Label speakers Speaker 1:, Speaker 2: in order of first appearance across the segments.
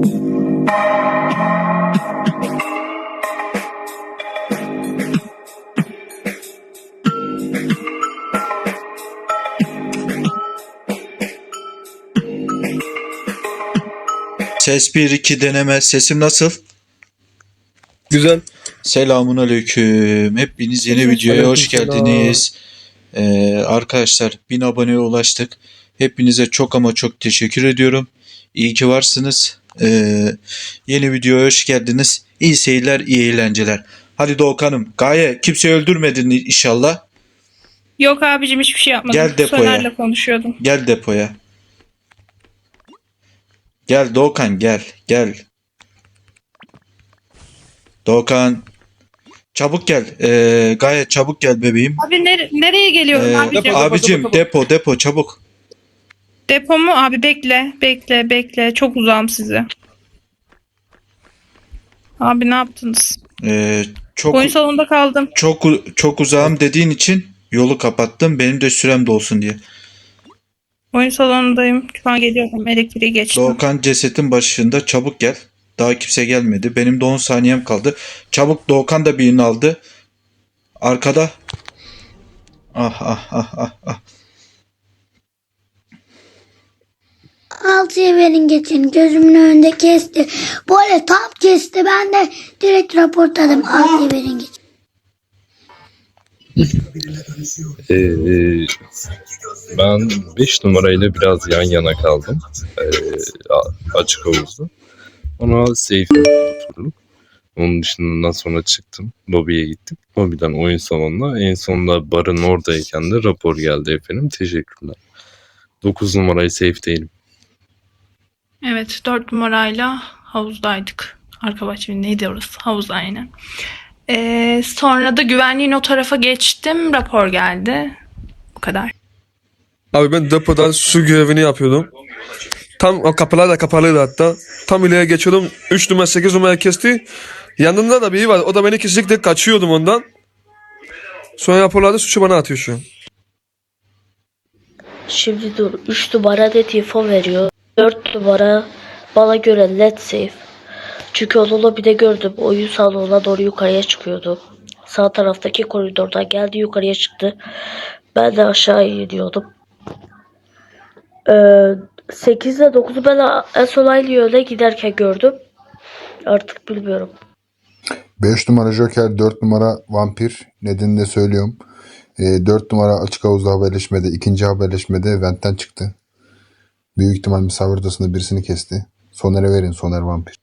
Speaker 1: Ses 1-2 deneme. Sesim nasıl?
Speaker 2: Güzel.
Speaker 1: Selamun aleyküm. Hepiniz yeni videoya hoş geldiniz. Arkadaşlar 1000 aboneye ulaştık. Hepinize çok ama çok teşekkür ediyorum. İyi ki varsınız. Yeni videoya hoş geldiniz. İyi seyirler, iyi eğlenceler. Hadi Doğukan'ım. Gaye kimseyi öldürmedin inşallah.
Speaker 3: Yok abicim hiçbir şey yapmadım.
Speaker 1: Gel depoya.
Speaker 3: Soner'le konuşuyordum.
Speaker 1: Gel depoya. Gel Doğukan gel. Gel. Doğukan. Çabuk gel. Gayet çabuk gel bebeğim.
Speaker 3: Abi nereye geliyorum abicim?
Speaker 1: Abicim depo çabuk.
Speaker 3: Depo mu? Abi bekle. Çok uzağım size. Abi ne yaptınız?
Speaker 1: Çok
Speaker 3: Oyun salonunda kaldım.
Speaker 1: çok uzağım dediğin için yolu kapattım. Benim de sürem de olsun diye.
Speaker 3: Oyun salonundayım. Şu an geliyorum. Elektriği geçtim.
Speaker 1: Doğukan cesetin başında, çabuk gel. Daha kimse gelmedi. Benim de 10 saniyem kaldı. Çabuk, Doğukan da birini aldı. Arkada. Ah.
Speaker 4: 6'ya verin geçin. Gözümün önünde kesti. Böyle tam kesti. Ben de direkt raporladım. 6'ya verin geçin.
Speaker 5: Ben 5 numarayla biraz yan yana kaldım. Açık havuzda. Ona safe'e oturdum. Onun dışından sonra çıktım. Lobiye gittim. Lobiden oyun salonuna. En sonunda barın oradayken de rapor geldi efendim. Teşekkürler. 9 numarayı safe'deydim.
Speaker 3: Evet 4 numarayla havuzdaydık. Arka bahçe neydi orası? Havuz aynen. Sonra da güvenliğin o tarafa geçtim. Rapor geldi. Bu kadar.
Speaker 2: Abi ben depoda su görevini yapıyordum. Tam o kapılar da kapalıydı hatta. Tam ileriye geçiyordum. 3 numara 8 numara kesti. Yanında da biri var. O da beni kesinlikle kaçıyordum ondan. Sonra raporlarda suçu bana atıyor şu an.
Speaker 6: Şimdi dur. 3 numara net info veriyor. 4 numara bana göre net safe. Çünkü onunla bir de gördüm. Oyun salonuna doğru yukarıya çıkıyordu. Sağ taraftaki koridordan geldi yukarıya çıktı. Ben de aşağı iniyordum. 8 ile 9'u ben en son aynı yöne giderken gördüm. Artık bilmiyorum.
Speaker 7: 5 numara Joker, 4 numara Vampir. Nedenini de söylüyorum. 4 numara açık havuzda haberleşmede, ikinci haberleşmede Vent'ten çıktı. Büyük ihtimal misafir odasında birisini kesti. Soner'e verin, Soner Vampir.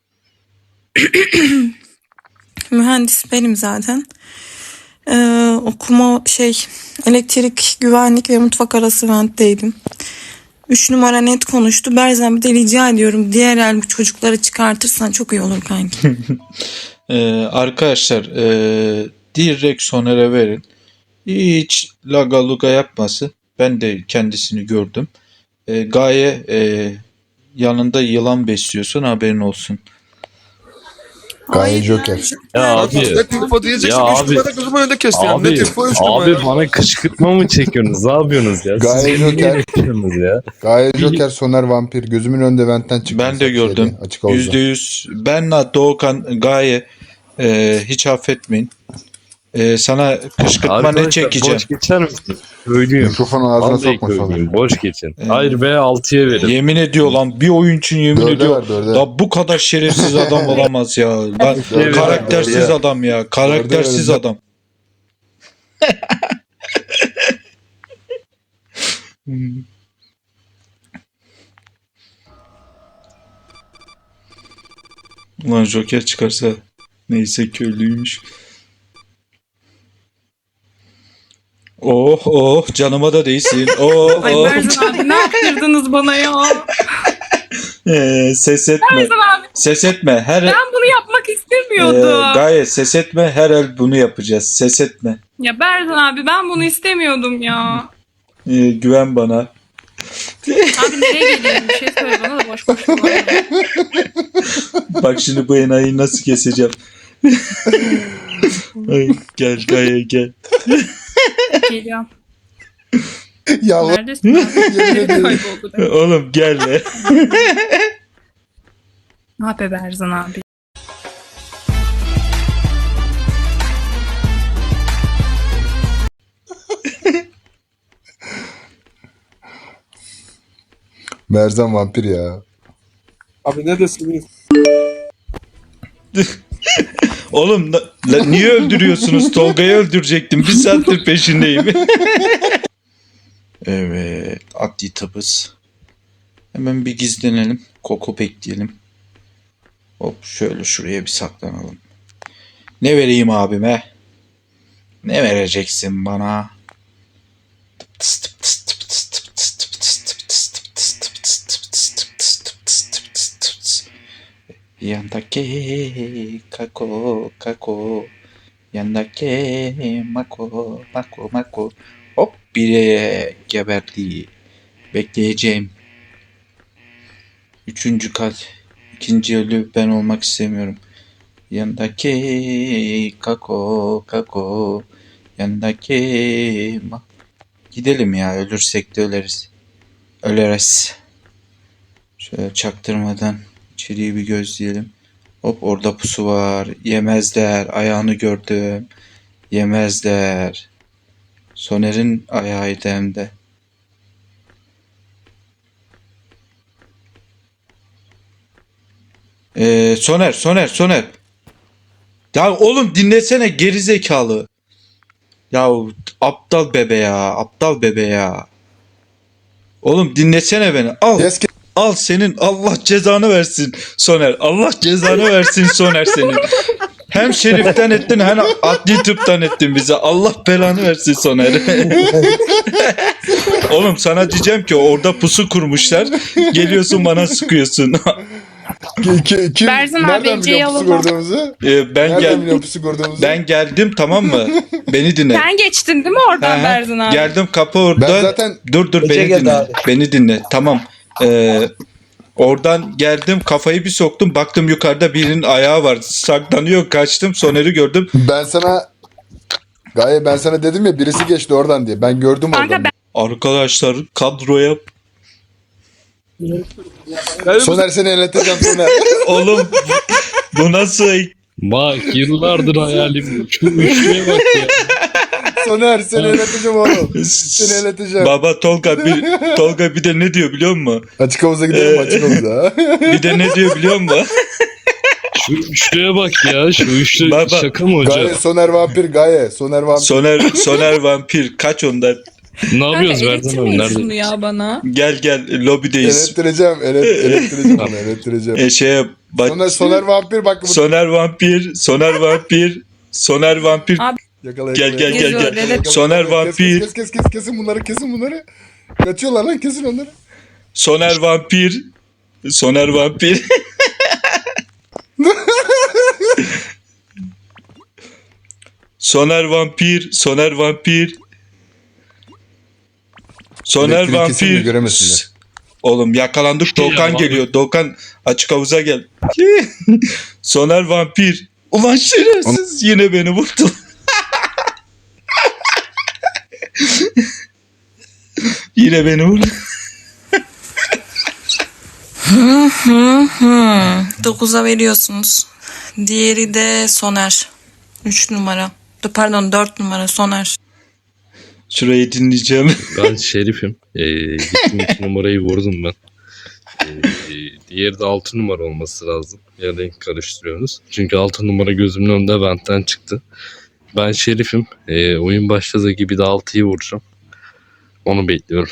Speaker 8: Mühendis benim zaten. Okuma elektrik, güvenlik ve mutfak arası ventteydim. 3 numara net konuştu. Berzan bir de rica ediyorum. Diğer el bu çocukları çıkartırsan çok iyi olur kanki.
Speaker 1: Arkadaşlar direkt Soner'e verin. Hiç laga luga yapması. Ben de kendisini gördüm. Gaye yanında yılan besliyorsun, haberin olsun.
Speaker 7: Gaye Joker.
Speaker 5: Ya abi.
Speaker 2: Net info diyeceksin.
Speaker 5: Ya
Speaker 2: 3
Speaker 5: abi.
Speaker 2: numara gözümün önünde kesti yani.
Speaker 5: Abi,
Speaker 2: Net info 3 numara.
Speaker 5: abi bana kışkırtma mı çekiyorsunuz? Ne yapıyorsunuz ya?
Speaker 7: Gaye
Speaker 5: Siz niye
Speaker 7: Joker.
Speaker 5: yapıyorsunuz ya?
Speaker 7: Gaye Joker, Soner Vampir. Gözümün önünde Vent'ten çıktı.
Speaker 1: Ben de gördüm.
Speaker 7: Açık havuzda.
Speaker 1: %100. Benle Doğukan, Gaye hiç affetmeyin. Sana kışkırtma ne
Speaker 5: Arkadaşlar
Speaker 1: çekeceğim?
Speaker 5: boş geçer misin? Söylüyorum.
Speaker 7: Mikrofonu ağzına
Speaker 5: Vallahi
Speaker 7: sokma Soner.
Speaker 5: söyleyeyim. Boş geçin. Hayır be 6'ya verin.
Speaker 1: Yemin ediyor lan, bir oyun için yemin
Speaker 7: Dörde
Speaker 1: ediyor.
Speaker 7: ver, dörde.
Speaker 1: Da bu kadar şerefsiz adam olamaz ya. Lan,
Speaker 5: Evet,
Speaker 1: karaktersiz
Speaker 5: ya.
Speaker 1: adam ya. Karaktersiz
Speaker 7: Dörde,
Speaker 1: adam. Ulan Joker çıkarsa neyse köylüymüş. Oh canıma da değsin.
Speaker 3: Ay Berzan abi ne yaptırdınız bana ya?
Speaker 1: Ses etme.
Speaker 3: Berzan abi
Speaker 1: Ses etme.
Speaker 3: ben bunu yapmak istemiyordum.
Speaker 1: Gayet ses etme. Her el bunu yapacağız. Ses etme.
Speaker 3: Ya Berzan abi ben bunu istemiyordum ya.
Speaker 1: Güven bana.
Speaker 3: Abi nereye geliyorum? Bir şey söyle bana da boş konuşma.
Speaker 1: Bak şimdi bu enayiyi nasıl keseceğim. Ay, gel Gaye gel.
Speaker 3: Geliyorum.
Speaker 7: Ya
Speaker 3: Neredesin abi? Nereye kayboldu demek.
Speaker 1: Oğlum gel be.
Speaker 3: Ne yapıyor Berzan abi?
Speaker 7: Merzan vampir ya.
Speaker 2: Abi ne desiniz?
Speaker 1: Oğlum niye öldürüyorsunuz? Tolga'yı öldürecektim. Bir saattir peşindeyim. Evet. Adli tabız. Hemen bir gizlenelim. Koku bekleyelim. Hop şöyle şuraya bir saklanalım. Ne vereyim abime? Ne vereceksin bana? Yandaki kako kako, yandaki mako mako mako. Hop biri geberdi. Bekleyeceğim. Üçüncü kat. İkinci ölü ben olmak istemiyorum. Yandaki kako kako, yandaki gidelim ya, ölürsek de öleriz. Şöyle çaktırmadan içeriye bir gözleyelim. Hop orada pusu var. Yemezler. Ayağını gördüm. Yemezler. Soner'in ayağıydı hem de. Soner. Ya oğlum dinlesene gerizekalı. Ya aptal bebe ya. Oğlum dinlesene beni. Al.
Speaker 7: Yes,
Speaker 1: Al senin Allah cezanı versin Soner. Allah cezanı versin Soner senin. Hem şeriften ettin hem adli tıptan ettin bize. Allah belanı versin Soner. Oğlum sana diyeceğim ki orada pusu kurmuşlar. Geliyorsun bana sıkıyorsun.
Speaker 7: kim?
Speaker 3: Berzan abi,
Speaker 7: Nereden
Speaker 3: Ece'yi
Speaker 7: biliyor pusu
Speaker 3: alalım.
Speaker 7: gördüğümüzü?
Speaker 1: Ben
Speaker 7: Nereden biliyor pusu gördüğümüzü?
Speaker 1: Ben geldim, tamam mı? Beni dinle.
Speaker 3: Sen geçtin değil mi oradan
Speaker 1: Hı hı.
Speaker 3: Berzan abi?
Speaker 1: Geldim, kapı orada.
Speaker 7: Ben zaten
Speaker 1: Dur
Speaker 9: Ece
Speaker 1: beni
Speaker 9: geldi
Speaker 1: dinle.
Speaker 9: abi.
Speaker 1: Beni dinle. Tamam. Oradan geldim, kafayı bir soktum. Baktım yukarıda birinin ayağı var. Saklanıyor, kaçtım. Soner'i gördüm.
Speaker 7: ben sana dedim ya birisi geçti oradan diye. Ben gördüm
Speaker 3: Kanka
Speaker 7: oradan.
Speaker 1: Arkadaşlar kadroya
Speaker 7: Soner seni eleteceğim Soner.
Speaker 1: oğlum bu nasıl?
Speaker 5: Bak yıllardır hayalim. Şu üçlüye bak ya.
Speaker 7: Soner seni eleteceğim oğlum. Seni eleteceğim.
Speaker 1: Baba Tolga bir de ne diyor biliyor musun?
Speaker 7: Açık havuza gidelim açık havuza.
Speaker 1: Bir de ne diyor biliyor musun?
Speaker 5: Şu üçlüye bak ya. Şu üçlü
Speaker 1: Baba,
Speaker 5: şaka mı hoca?
Speaker 7: Gaye Soner vampir Gaye. Soner vampir.
Speaker 1: Soner vampir kaç ondan?
Speaker 5: Ne yapıyoruz
Speaker 3: Kanka
Speaker 5: Berzan abi?
Speaker 3: eritmeyin şunu
Speaker 5: Nerede?
Speaker 3: ya bana.
Speaker 1: Gel lobideyiz.
Speaker 7: Elettireceğim. Elettireceğim onu elettireceğim.
Speaker 1: Şeye bak.
Speaker 7: Soner vampir bak.
Speaker 1: Soner vampir.
Speaker 3: Abi,
Speaker 7: Yakala,
Speaker 1: Gel.
Speaker 3: Yakala.
Speaker 1: Soner vampir.
Speaker 7: Kesin bunları. Kaçıyorlar lan kesin onları.
Speaker 1: Soner vampir. Soner vampir.
Speaker 7: Elektriği kesin de göremesinler.
Speaker 1: Oğlum yakalandık. Doğukan
Speaker 5: ya,
Speaker 1: geliyor. Doğukan açık havuza gel. Soner vampir. Ulan şerefsiz yine beni vurdu. Yine beni vurdu.
Speaker 8: 9'a veriyorsunuz. Diğeri de Soner. 3 numara. Pardon 4 numara Soner.
Speaker 1: Şurayı dinleyeceğim.
Speaker 5: Ben Şerif'im. Gittim 2 numarayı vurdum ben. Diğeri de 6 numara olması lazım. Ya renk karıştırıyorsunuz. Çünkü 6 numara gözümün önünde benden çıktı. Ben Şerif'im. Oyun başladığı gibi de 6'yı vuracağım. Onu bekliyorum.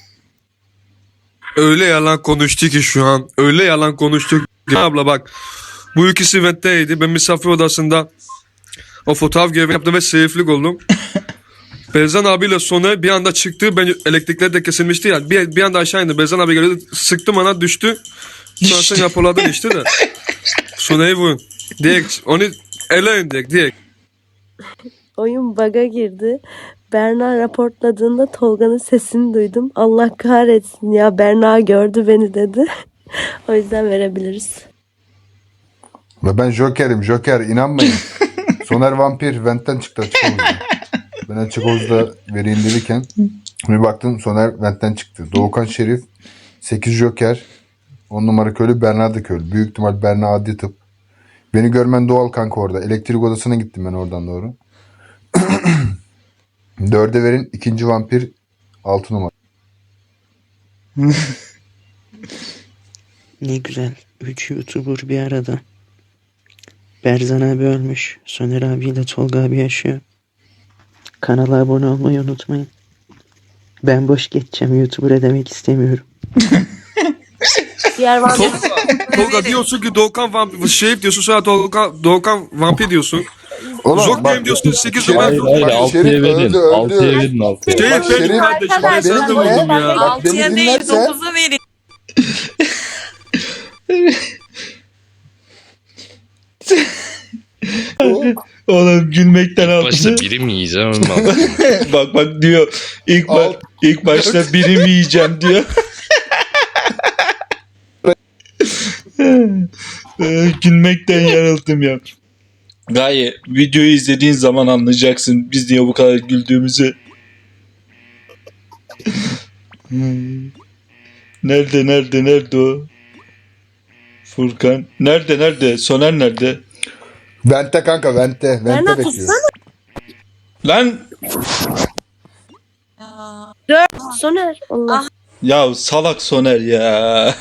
Speaker 2: Öyle yalan konuştu ki şu an. Öyle yalan konuştuk. Abla bak. Bu ikisi ventteydi. Ben misafir odasında o fotoğraf görevini yaptım ve seyiflik oldum. Berzan abiyle Soner bir anda çıktı. Ben elektrikler de kesilmişti ya. Bir anda aşağı indi. Berzan abi geldi. Sıktım ona düştü. Sonra sen yapıladın işte de. Soner'i vurun. Direkt onu eleyin direkt.
Speaker 10: Oyun bug'a girdi. Berna raportladığında Tolga'nın sesini duydum. Allah kahretsin ya, Berna gördü beni dedi. O yüzden verebiliriz.
Speaker 7: Ve ben Joker inanmayın. Soner vampir ventten çıktı açık havuzda. Ben açık havuzda vereyim verirken bir baktım Soner ventten çıktı. Doğukan Şerif 8 Joker 10 numara köylü, Berna da köylü. Büyük ihtimal Berna adli tıp. Beni görmen doğal kanka orada. Elektrik odasına gittim ben oradan doğru. 4'e verin. İkinci vampir 6 numara.
Speaker 9: Ne güzel. 3 YouTuber bir arada. Berzan abi ölmüş. Soner abiyle Tolga abi yaşıyor. Kanala abone olmayı unutmayın. Ben boş geçeceğim. YouTuber demek istemiyorum.
Speaker 10: Diğer vampir
Speaker 2: Tolga diyorsun ki Doğukan vampir, şey diyorsun sonra Doğukan vampir diyorsun. Zok benim diyorsun 8 numara.
Speaker 5: Hayır hayır,
Speaker 7: Bak,
Speaker 5: 6'ya
Speaker 7: Şerif
Speaker 5: verin.
Speaker 7: öldü.
Speaker 5: 6'ya verin, 6'ya.
Speaker 2: Şey
Speaker 7: Bak,
Speaker 2: benim
Speaker 7: Şerif-
Speaker 2: kardeşim. Ben
Speaker 10: Arkadaşlar,
Speaker 2: sana da
Speaker 7: beni dinle.
Speaker 2: vurdum ya.
Speaker 7: Bak beni
Speaker 8: 6'ya değil
Speaker 7: dinlerse
Speaker 8: 9'a verin.
Speaker 1: Oğlum gülmekten
Speaker 5: Başta
Speaker 1: altı.
Speaker 5: biri mi yiyeceğim ama
Speaker 1: Bak diyor. İlk başta birim yiyeceğim diyor. Gülmekten yarıldım ya. Gaye, videoyu izlediğin zaman anlayacaksın biz niye bu kadar güldüğümüzü. Nerede o? Furkan. Nerede? Soner nerede?
Speaker 7: Vente kanka vente.
Speaker 10: Berna
Speaker 7: Vente bekliyor.
Speaker 1: Lan
Speaker 10: Soner. Allah.
Speaker 1: ya salak Soner ya.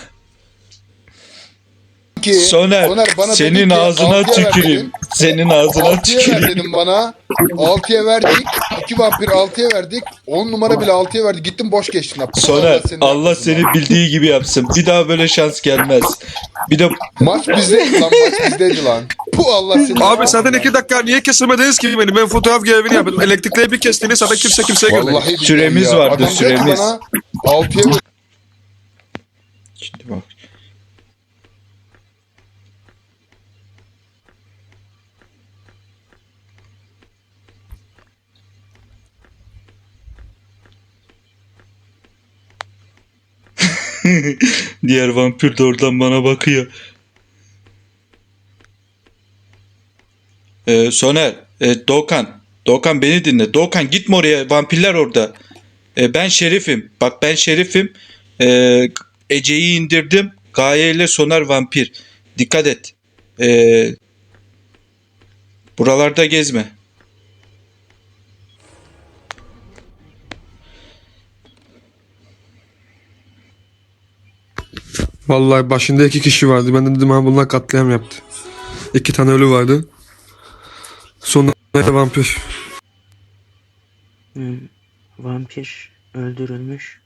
Speaker 7: Ki,
Speaker 1: Soner,
Speaker 7: bana
Speaker 1: senin
Speaker 7: dedi ki,
Speaker 1: ağzına
Speaker 7: 6'ya ver
Speaker 1: tüküreyim.
Speaker 7: dedim.
Speaker 1: Senin ağzına
Speaker 7: 6'ya ver
Speaker 1: tüküreyim.
Speaker 7: dedim bana. 6'ya verdik. 2 vampir 6'ya verdik. 10 numara bile 6'ya verdi. Gittim boş geçtin.
Speaker 1: Soner, Allah seni bildiği gibi yapsın. Bir daha böyle şans gelmez. Bir de
Speaker 7: Maç bizdeydi lan. Maç bizdeydi lan. Puh Allah seni.
Speaker 2: Abi zaten 2 dakika niye kesilmediniz ki beni? Ben fotoğraf görevini yapıyordum. Elektrikleri bir kestiğini zaten kimseye görmedi.
Speaker 7: Vallahi billahi
Speaker 1: Süremiz
Speaker 7: ya.
Speaker 1: vardı,
Speaker 7: Adam dedi ki
Speaker 1: süremiz.
Speaker 7: bana 6'ya ver.
Speaker 1: şimdi bak. Diğer vampir de oradan bana bakıyor. Soner, Doğukan beni dinle. Doğukan gitme oraya. Vampirler orada. Ben Şerif'im. Bak ben Şerif'im. Ece'yi indirdim. Gaye ile Soner vampir. Dikkat et. Buralarda gezme.
Speaker 2: Vallahi başında 2 kişi vardı. Ben de dedim ha bunlar katliam yaptı. 2 tane ölü vardı. Sonra vampir.
Speaker 9: Vampir öldürülmüş.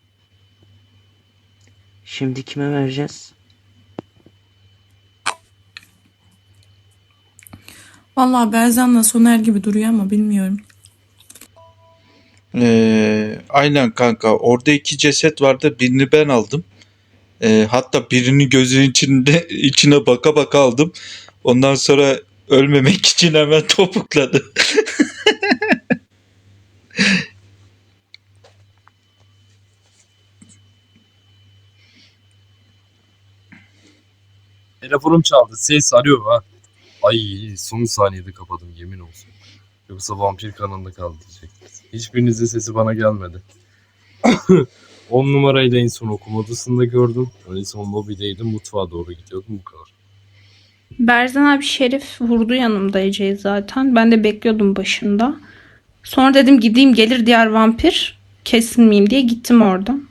Speaker 9: Şimdi kime vereceğiz?
Speaker 8: Vallahi Berzan'la Soner gibi duruyor ama bilmiyorum.
Speaker 1: Aynen kanka. Orada 2 ceset vardı. Birini ben aldım. Hatta birini gözünün içine baka baka aldım. Ondan sonra ölmemek için hemen topukladı.
Speaker 5: telefonum çaldı. Ses arıyor ha. Ay son saniyede kapadım yemin olsun. Yoksa vampir kanalında kaldı diyecektiniz. Hiçbirinizin sesi bana gelmedi. 10 numarayla en son okuma odasında gördüm. En son lobideydim, mutfağa doğru gidiyordum, bu kadar.
Speaker 3: Berzan abi Şerif vurdu yanımda Ece'yi zaten. Ben de bekliyordum başında. Sonra dedim gideyim gelir diğer vampir. Kesilmeyeyim diye gittim oradan.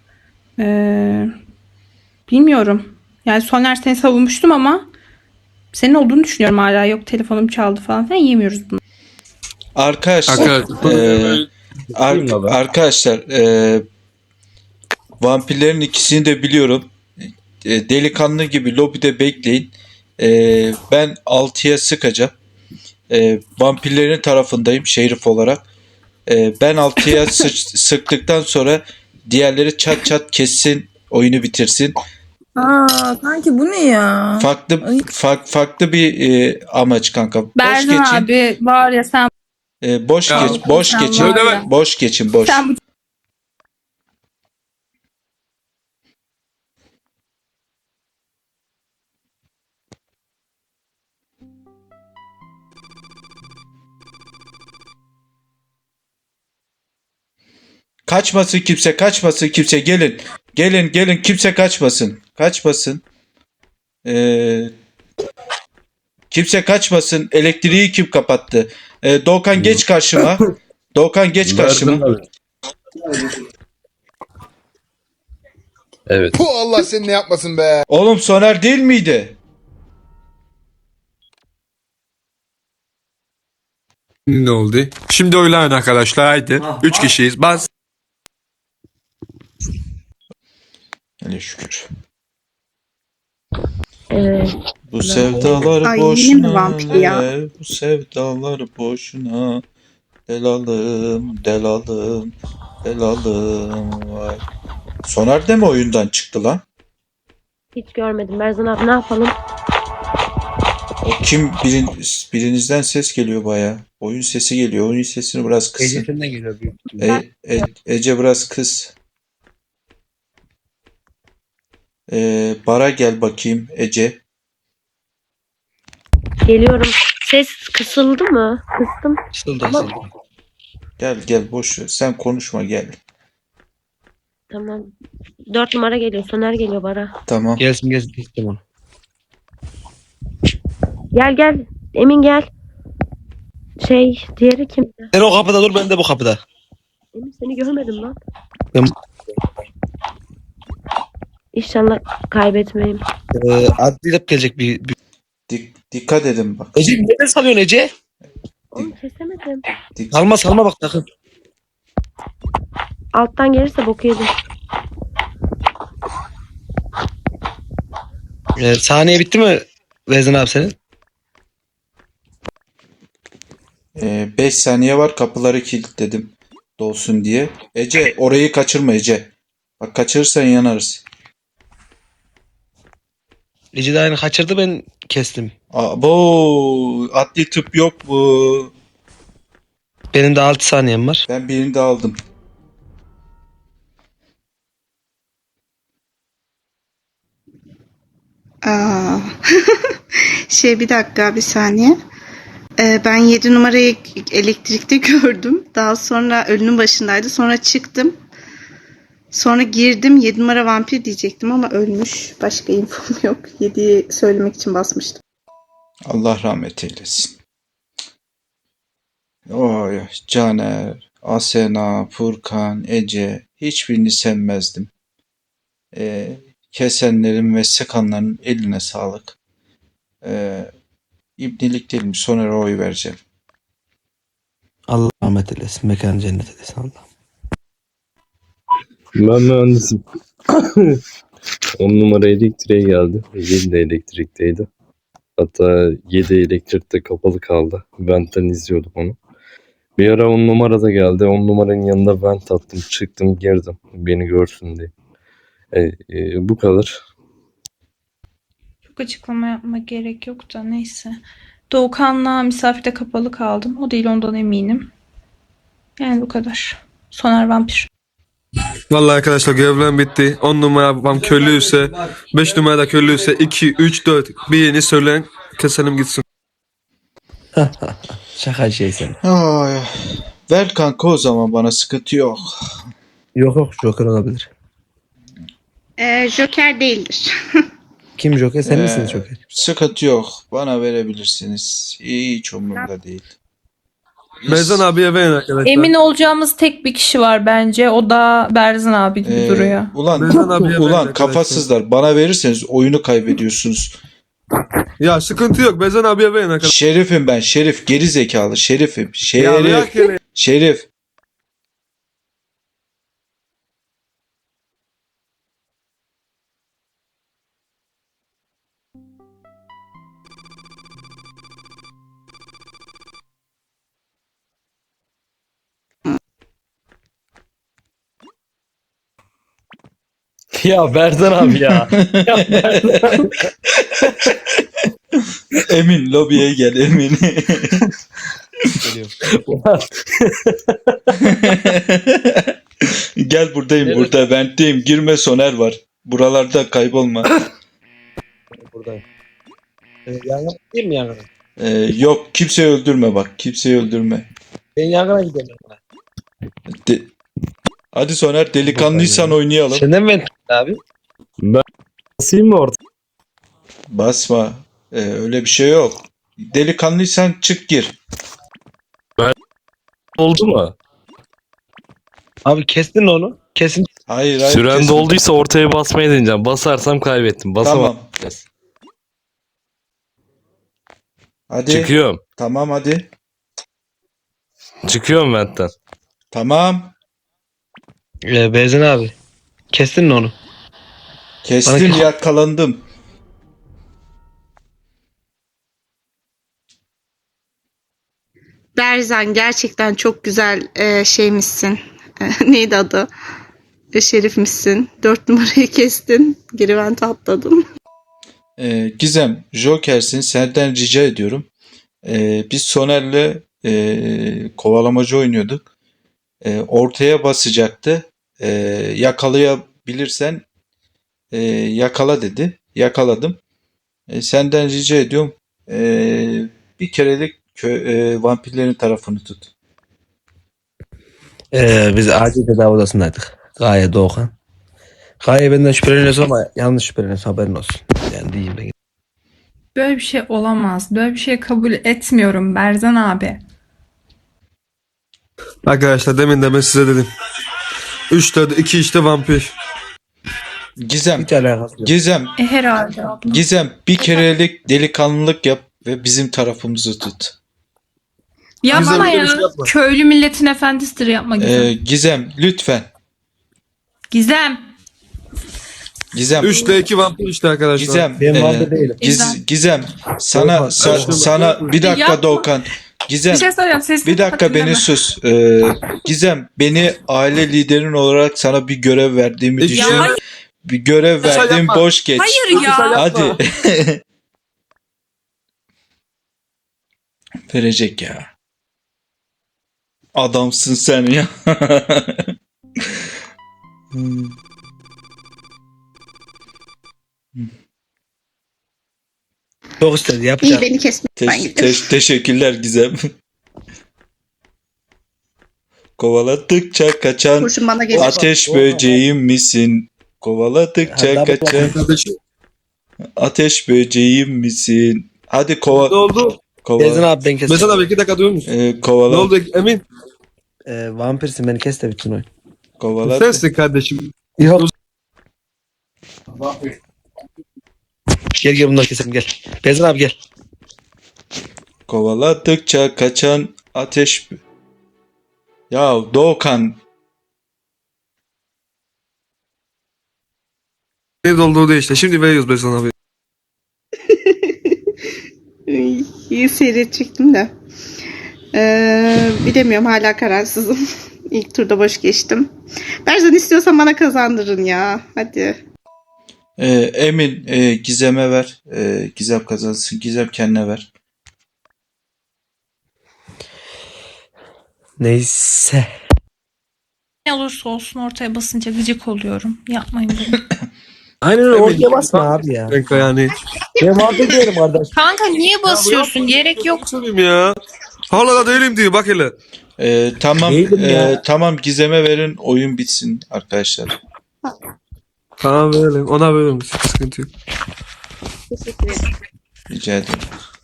Speaker 3: Bilmiyorum. Yani Soner seni savunmuştum ama senin olduğunu düşünüyorum hala. Yok telefonum çaldı falan filan yemiyoruz bunu.
Speaker 1: Arkadaşlar, arkadaşlar vampirlerin ikisini de biliyorum. Delikanlı gibi lobide bekleyin. Ben 6'ya sıkacağım. Vampirlerin tarafındayım şerif olarak. Ben 6'ya sıktıktan sonra diğerleri çat çat kessin, oyunu bitirsin.
Speaker 8: Kanki bu ne ya?
Speaker 1: Farklı bir amaç kanka. Boş
Speaker 3: Berzan
Speaker 1: geçin.
Speaker 3: abi var ya sen
Speaker 1: Boş
Speaker 2: Ya,
Speaker 1: geçin.
Speaker 3: var ya.
Speaker 1: Boş geçin.
Speaker 3: Sen bu
Speaker 1: Kaçmasın kimse gelin. Gelin kimse kaçmasın. Kaçmasın. Kimse kaçmasın. Elektriği kim kapattı? Doğukan geç karşıma. Doğukan geç karşıma.
Speaker 5: Evet.
Speaker 7: Puh, Allah seni ne yapmasın be.
Speaker 1: Oğlum Soner değil miydi?
Speaker 2: Ne oldu? Şimdi oylayın arkadaşlar haydi. 3 kişiyiz. Bas.
Speaker 1: Hele şükür.
Speaker 6: Evet.
Speaker 1: Bu sevdalar
Speaker 11: Ay, yine mi
Speaker 1: boşuna.
Speaker 11: vampir ya?
Speaker 1: Bu sevdalar boşuna. Delalım, delalım, delalım. Vay. Soner de mi oyundan çıktı lan?
Speaker 10: Hiç görmedim. Berzan abi ne yapalım?
Speaker 1: O kim? Birinizden ses geliyor baya. Oyun sesi geliyor. Oyun sesini biraz kısın.
Speaker 9: Ecesinden geliyor büyük.
Speaker 1: Ece biraz kıs. Bara gel bakayım Ece.
Speaker 10: Geliyorum. Ses kısıldı mı? Kıstım.
Speaker 9: Sıldı.
Speaker 1: Gel boş ver. Sen konuşma gel.
Speaker 10: Tamam. 4 numara geliyor. Soner geliyor bara.
Speaker 1: Tamam.
Speaker 9: Gelsin istem onu.
Speaker 10: Gel. Emin gel. Diğeri kim?
Speaker 9: Sen o kapıda dur, ben de bu kapıda.
Speaker 10: Emin seni görmedim lan.
Speaker 9: Ben-
Speaker 10: İnşallah kaybetmeyeyim.
Speaker 9: Adliyle gelecek bir...
Speaker 1: Dikkat edin bak.
Speaker 9: Ece neden salıyorsun Ece?
Speaker 10: Oğlum kesemedim.
Speaker 9: Salma bak takım.
Speaker 10: Alttan gelirse boku yedim.
Speaker 9: Saniye bitti mi Vezin abi senin?
Speaker 1: 5 saniye var. Kapıları kilitledim. Dolsun diye. Ece orayı kaçırma Ece. Bak kaçırırsan yanarız.
Speaker 9: Ece de aynı kaçırdı, ben kestim.
Speaker 1: Abo, adli tıp yok mu?
Speaker 9: Benim de 6 saniyem var.
Speaker 1: Ben birini de aldım.
Speaker 11: Aa. Bir dakika bir saniye. Ben 7 numarayı elektrikte gördüm. Daha sonra ölünün başındaydı. Sonra çıktım. Sonra girdim. 7 numara vampir diyecektim ama ölmüş. Başka infom yok. 7'yi söylemek için basmıştım.
Speaker 1: Allah rahmet eylesin. Oy, Caner, Asena, Furkan, Ece hiçbirini sevmezdim. Kesenlerin ve sıkanların eline sağlık. İbnilik değil mi? Soner'e oy vereceğim.
Speaker 9: Allah rahmet eylesin. Mekanı cennet eylesin Allah.
Speaker 5: Ben mühendisim. 10 numara elektriğe geldi. 7 de elektrikteydi. Hatta 7 elektrikte kapalı kaldı. Vent'ten izliyordum onu. Bir ara 10 numara da geldi. 10 numaranın yanında vent attım. Çıktım girdim. Beni görsün diye. Bu kadar.
Speaker 3: Çok açıklama yapmak gerek yok da neyse. Doğukan'la misafirde kapalı kaldım. O değil, ondan eminim. Yani bu kadar. Soner vampir.
Speaker 2: Vallahi arkadaşlar görevlerim bitti. 10 numara babam köylüyse, 5 numara da köylüyse 2, 3, 4 bir yeni söyleyin, keselim gitsin.
Speaker 9: Şaka sen.
Speaker 1: Ay, ver kanka o zaman, bana sıkıntı yok.
Speaker 9: Yok Joker olabilir.
Speaker 11: Joker değildir.
Speaker 9: Kim Joker? Sen
Speaker 1: Ee,
Speaker 9: misin Joker?
Speaker 1: Sıkıntı yok. Bana verebilirsiniz. Hiç umurumda değil.
Speaker 2: Berzan abiye verin arkadaşlar.
Speaker 3: Emin olacağımız tek bir kişi var bence. O da Berzan abi gibi duruyor.
Speaker 2: Berzan abiye verin
Speaker 1: Ulan
Speaker 2: arkadaşlar.
Speaker 1: kafasızlar, bana verirseniz oyunu kaybediyorsunuz.
Speaker 2: Ya sıkıntı yok. Berzan abiye verin arkadaşlar.
Speaker 1: Şerifim ben, Şerif, geri zekalı Şerifim.
Speaker 2: Ya bırak
Speaker 1: Şerif,
Speaker 2: hele.
Speaker 1: Şerif.
Speaker 9: Ya Berzan abi ya.
Speaker 1: Emin lobiye gel Emin. Gel buradayım,
Speaker 9: Evet.
Speaker 1: burada ventteyim. Girme, Soner var. Buralarda kaybolma.
Speaker 9: Buradayım. Yangına gideyim mi yangına?
Speaker 1: Yok, kimseyi öldürme bak. Kimseyi öldürme.
Speaker 9: Ben yangına gidiyorum.
Speaker 1: Hadi Soner, delikanlıysan oynayalım.
Speaker 9: Senden ben
Speaker 12: Abi.
Speaker 5: Ben basayım mı orta?
Speaker 1: Basma. Öyle bir şey yok. Delikanlıysan çık gir.
Speaker 5: Oldu mu?
Speaker 12: Abi kestin onu. Kesin.
Speaker 1: Hayır hayır.
Speaker 5: Süren
Speaker 1: kesme.
Speaker 5: dolduysa ortaya basmayı deneyeceğim. Basarsam kaybettim. Basamam.
Speaker 1: Tamam. Hadi.
Speaker 5: Çıkıyorum.
Speaker 1: Tamam hadi.
Speaker 5: Çıkıyorum ventten.
Speaker 1: Tamam.
Speaker 12: Berzan abi. Kestin onu.
Speaker 1: Kestim
Speaker 12: Bana-
Speaker 1: yakalandım.
Speaker 11: Berzan gerçekten çok güzel şeymişsin. Neydi adı? Şerifmişsin. 4 numarayı kestin. Geri vente atladın.
Speaker 1: Gizem, Joker'sin. Senden rica ediyorum. Biz Soner'le kovalamacı oynuyorduk. Ortaya basacaktı. Yakalayabilirsen yakala dedi. Yakaladım. Senden rica ediyorum. Bir kerelik vampirlerin tarafını tut.
Speaker 12: Biz acil tedavi odasındaydık. Gaye Doğukan. Gaye benden şüpheleniyorsun ama yanlış şüpheleniyorsun, haberin olsun. Yani diyeyim de.
Speaker 3: Böyle bir şey olamaz. Böyle bir şey kabul etmiyorum Berzan abi.
Speaker 2: Arkadaşlar demin de ben size dedim. 3'te 2 işte vampir.
Speaker 1: Gizem,
Speaker 12: Hiç alakası yok.
Speaker 1: Gizem,
Speaker 3: Herhalde abla.
Speaker 1: Gizem bir kerelik delikanlılık yap ve bizim tarafımızı tut.
Speaker 3: Yapma
Speaker 2: Gizem,
Speaker 3: ya.
Speaker 2: öyle bir şey yapma.
Speaker 3: Köylü milletin efendisidir, yapma Gizem.
Speaker 1: Gizem lütfen.
Speaker 3: Gizem.
Speaker 1: Gizem.
Speaker 2: 3'te 2 vampir işte arkadaşlar.
Speaker 1: Gizem.
Speaker 12: Ben vampir değilim.
Speaker 1: Gizem. Sana
Speaker 2: Doğukan,
Speaker 1: sana bir dakika
Speaker 3: Yapma.
Speaker 1: Doğukan. Gizem.
Speaker 3: Bir şey söyleyeceğim. Sesini
Speaker 1: Bir dakika
Speaker 3: hatırlama.
Speaker 1: beni sus. Gizem beni aile liderin olarak sana bir görev verdiğimi
Speaker 2: Ya
Speaker 1: düşün.
Speaker 3: hayır.
Speaker 1: Bir görev
Speaker 2: Sen
Speaker 1: verdim
Speaker 2: yapma.
Speaker 1: boş geç.
Speaker 3: Hayır ya.
Speaker 1: Hadi. Verecek ya. Adamsın sen ya.
Speaker 12: Çok istedi
Speaker 11: İyi
Speaker 12: yapacağım.
Speaker 11: beni kesme. Ben gidiyorum.
Speaker 1: Teşekkürler Gizem. Kovaladıkça kaçan
Speaker 11: Kurşun bana gelir.
Speaker 1: ateş böceğim misin? Kovaladıkça
Speaker 12: Hatta
Speaker 1: kaçan
Speaker 2: Kardeşim
Speaker 1: ateş böceğim misin? Hadi
Speaker 2: ne oldu?
Speaker 12: Berzan
Speaker 1: kovala.
Speaker 12: abi ben kestim.
Speaker 2: Mesela abi 2 dakika duyuyor musun? Ne
Speaker 1: Kovala.
Speaker 2: oldu Emin?
Speaker 12: Vampirsin, beni kes de bitsin oyun.
Speaker 1: Kovala.
Speaker 2: Sensin kardeşim.
Speaker 12: Yok. Gel bunları keselim gel. Berzan abi gel.
Speaker 1: Kovaladıkça kaçan ateş. Ya Doğukan.
Speaker 2: Ne olduğu değil işte. Şimdi veriyoruz Berzan abi.
Speaker 11: İyi seyredecektim de. Bilemiyorum, hala kararsızım. İlk turda boş geçtim. Berzan istiyorsan bana kazandırın ya. Hadi.
Speaker 1: Emin Gizem'e ver. Gizem kazansın. Gizem kendine ver.
Speaker 12: Neyse.
Speaker 3: Ne olursa olsun ortaya basınca gıcık oluyorum. Yapmayın bunu.
Speaker 12: Aynen öyle,
Speaker 2: Emin,
Speaker 12: ortaya basma abi ya.
Speaker 2: Renk yani.
Speaker 12: Ben vampir değilim kardeş.
Speaker 3: Kanka niye basıyorsun? Gerek yok.
Speaker 2: Söyleyeyim ya. Hala da değilim diyor bak hele.
Speaker 1: Tamam.
Speaker 12: Neydim ya?
Speaker 1: Tamam Gizem'e verin. Oyun bitsin arkadaşlar.
Speaker 2: Tamam verelim. Ona verelim. Sıkıntı yok.
Speaker 11: Teşekkür ederim.
Speaker 1: Rica ederim.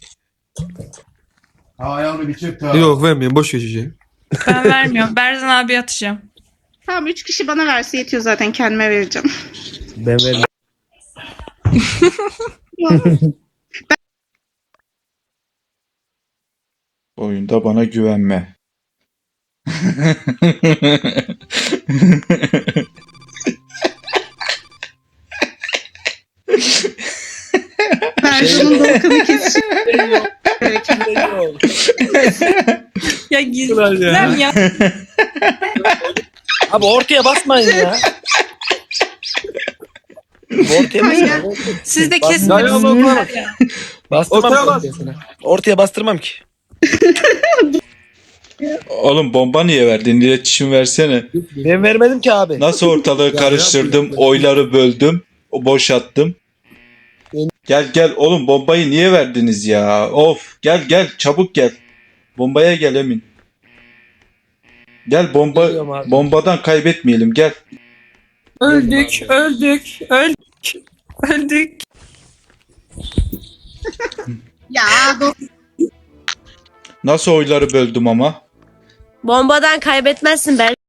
Speaker 2: Yok vermeyeyim. Boş geçeceğim.
Speaker 3: Ben vermiyorum. Berzan abi atacağım.
Speaker 11: Tamam, 3 kişi bana verse yetiyor zaten, kendime vereceğim.
Speaker 12: Ben vermem.
Speaker 1: Oyunda bana güvenme.
Speaker 11: Berzan'ın Doğukan'ı kesişim.
Speaker 3: Ya Gizem ya.
Speaker 12: Abi ortaya basmayın ya. Ortaya basmayın.
Speaker 3: Siz de
Speaker 2: Ya
Speaker 3: kesmediniz.
Speaker 2: Allah Allah.
Speaker 12: Bastırmam
Speaker 2: Ortaya bas.
Speaker 12: ortaya sana. Ortaya bastırmam ki.
Speaker 1: Oğlum bomba niye verdin? İletişim versene.
Speaker 12: Ben vermedim ki abi.
Speaker 1: Nasıl ortalığı karıştırdım, oyları böldüm, boşalttım. Gel oğlum, bombayı niye verdiniz ya? Of, gel çabuk gel. Bombaya gel Emin. Gel
Speaker 12: Geliyorum abi.
Speaker 1: bombadan kaybetmeyelim, gel.
Speaker 3: Öldük, öldük, öldük, öldük.
Speaker 11: Ya
Speaker 1: Nasıl oyları böldüm ama?
Speaker 10: Bombadan kaybetmezsin ben.